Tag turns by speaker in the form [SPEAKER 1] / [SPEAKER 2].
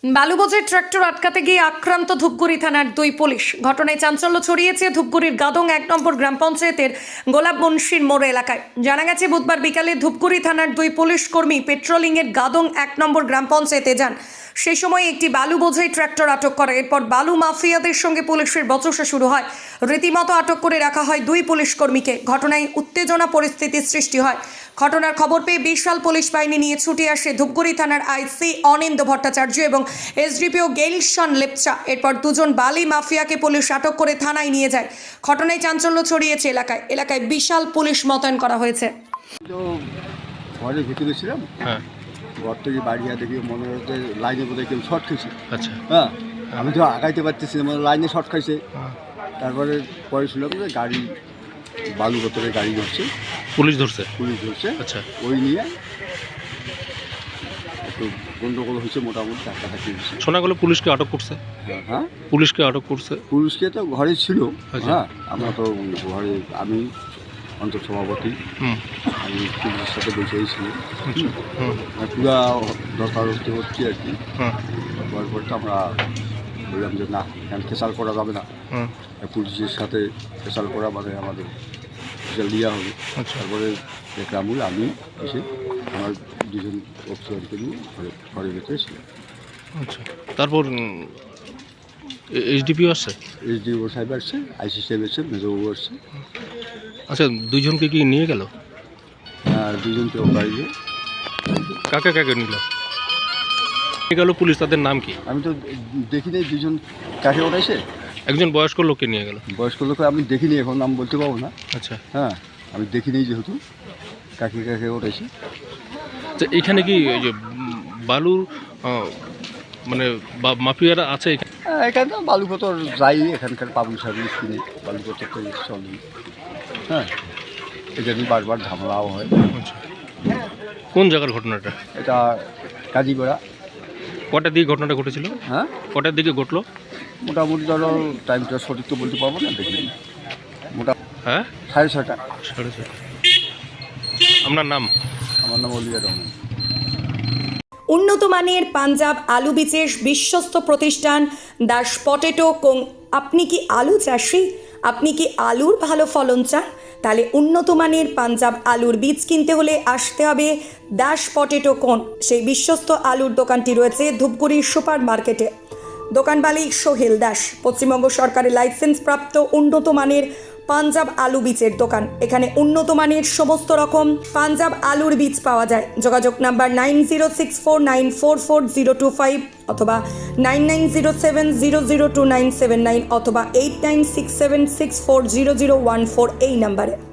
[SPEAKER 1] বালুবোঝের tractor আটকাতে গিয়ে আক্রান্ত ধূপগুড়ি থানার দুই পুলিশ। ঘটনায় চাঞ্চল্য ছড়িয়েছে ধূপগুড়ির গাদং 1 নম্বর গ্রাম পঞ্চায়েতের গোলাপ বনশির মোড় এলাকায়। জানা গেছে বুধবার বিকালে ধূপগুড়ি থানার দুই পুলিশ কর্মী পেট্রোলিংয়ের গাদং 1 নম্বর গ্রাম পঞ্চায়েতে যান। সেই সময় একটি বালু বোঝাই ট্রাক্টর আটক করে। এরপর বালু মাফিয়াদের সঙ্গে পুলিশের বচসা শুরু হয়। রীতিমতো আটক করে রাখা হয় দুই পুলিশ কর্মীকে। ঘটনায় উত্তেজনা পরিস্থিতির সৃষ্টি হয়। ঘটনার খবর পেয়ে বিশাল পুলিশ বাহিনী নিয়ে ছুটে আসে ধূপগুড়ি থানার আইসি অনিন্দ্য ভট্টাচার্য এবং এসডিপিও গেইলশন লেপচা। এরপর দুজন বালি মাফিয়াকে পুলিশ আটক করে থানায় নিয়ে যায়। ঘটনায় চাঞ্চল্য ছড়িয়েছে এলাকায় বিশাল পুলিশ মোতায়েন করা হয়েছে।
[SPEAKER 2] তো ঘরের ভিতরে ছিলাম, ঘর থেকে বাড়ি দেখি মনে হচ্ছে লাইনে বোধহয় কেউ শর্ট খাইছে।
[SPEAKER 3] আচ্ছা,
[SPEAKER 2] হ্যাঁ, আমি তো আগাইতে পারতেছি না, মানে লাইনে শর্ট খাইছে। তারপরে পরে শুনলাম যে গাড়ি বালু বোতলে গাড়ি ধরছে,
[SPEAKER 3] পুলিশ ধরছে।
[SPEAKER 2] আচ্ছা, ওই নিয়ে একটু গন্ডগোল হয়েছে, মোটামুটি টাকাটাকি হয়েছে।
[SPEAKER 3] শোনা গেল পুলিশকে আটক করছে।
[SPEAKER 2] হ্যাঁ,
[SPEAKER 3] পুলিশকে আটক করছে।
[SPEAKER 2] পুলিশকে তো ঘরে ছিল।
[SPEAKER 3] আচ্ছা।
[SPEAKER 2] হ্যাঁ, আমরা তো ঘরে, আমি অঞ্চল সভাপতি, আমি পুলিশের সাথে বসেই ছিল। পুরা দরকারস্থ হচ্ছে আর কি। হওয়ার পর তো আমরা বললাম যে না, কেন খেসাল করা যাবে না, পুলিশের সাথে খেসাল করা মানে আমাদের খেসাল দেওয়া হবে। তারপরে দেখলাম আমি এসে আমার দুজন অফিসারকে নিয়ে ঘরের ভিতরে ছিলাম।
[SPEAKER 3] আচ্ছা, তারপর এসডিপিও আসছে,
[SPEAKER 2] এসডিও সাহেব আসছে, আইসি সাহেব আসছে, মেজবাবু আসছে।
[SPEAKER 3] আচ্ছা, দুইজনকে কি নিয়ে গেল?
[SPEAKER 2] আর দুজনকে বাড়িয়ে
[SPEAKER 3] কাকে কাকে নিল গেল পুলিশ? তাদের নাম কি?
[SPEAKER 2] আমি তো দেখিনি দুজন কাকে ওঠাইছে।
[SPEAKER 3] একজন বয়স্ক লোককে নিয়ে গেল।
[SPEAKER 2] বয়স্ক লোক আমি দেখিনি, এখন নাম বলতে পারবো না।
[SPEAKER 3] আচ্ছা,
[SPEAKER 2] হ্যাঁ, আমি দেখিনি যেহেতু কাকে কাকে ওঠাইছে।
[SPEAKER 3] আচ্ছা, এখানে কি ওই যে বালুর মানে মাফিয়ারা আছে এখানে?
[SPEAKER 2] এখানে তো বালুপতর যাই, এখানকার পাবলিক সার্ভিস কিনে বালুপতর তো চলে। হ্যাঁ, এটা নিয়ে বারবার ঝামেলাও হয়।
[SPEAKER 3] আচ্ছা, কোন জায়গার ঘটনাটা?
[SPEAKER 2] এটা কাজীপাড়া।
[SPEAKER 3] কটার দিকে ঘটনাটা ঘটেছিল?
[SPEAKER 2] হ্যাঁ,
[SPEAKER 3] কটার দিকে ঘটলো?
[SPEAKER 2] মোটামুটি ধরো টাইমটা সঠিক তো বলতে পারবো না, দেখি মোটা
[SPEAKER 3] হ্যাঁ,
[SPEAKER 2] 6:30।
[SPEAKER 3] 6:30। আপনার নাম?
[SPEAKER 2] আমার নাম অলিয়া রহমান।
[SPEAKER 1] উন্নত মানের পাঞ্জাব আলু বীজের বিশ্বস্ত প্রতিষ্ঠান দাস পটেটো কোং। আপনি কি আলু চাষি? আপনি কি আলুর ভালো ফলন চান? তাহলে উন্নত মানের পাঞ্জাব আলুর বীজ কিনতে হলে আসতে হবে দাস পটেটো কোং। সেই বিশ্বস্ত আলুর দোকানটি রয়েছে ধূপগুড়ির সুপার মার্কেটে। দোকান মালিক সোহেল দাস। পশ্চিমবঙ্গ সরকারের লাইসেন্স প্রাপ্ত উন্নত মানের পাঞ্জাব আলু বীজের দোকান। এখানে উন্নত মানের সমস্ত রকম পাঞ্জাব আলুর বীজ পাওয়া যায়। যোগাযোগ নাম্বার 9064944025 অথবা 9907002979 অথবা 8967640014 এই নাম্বারে।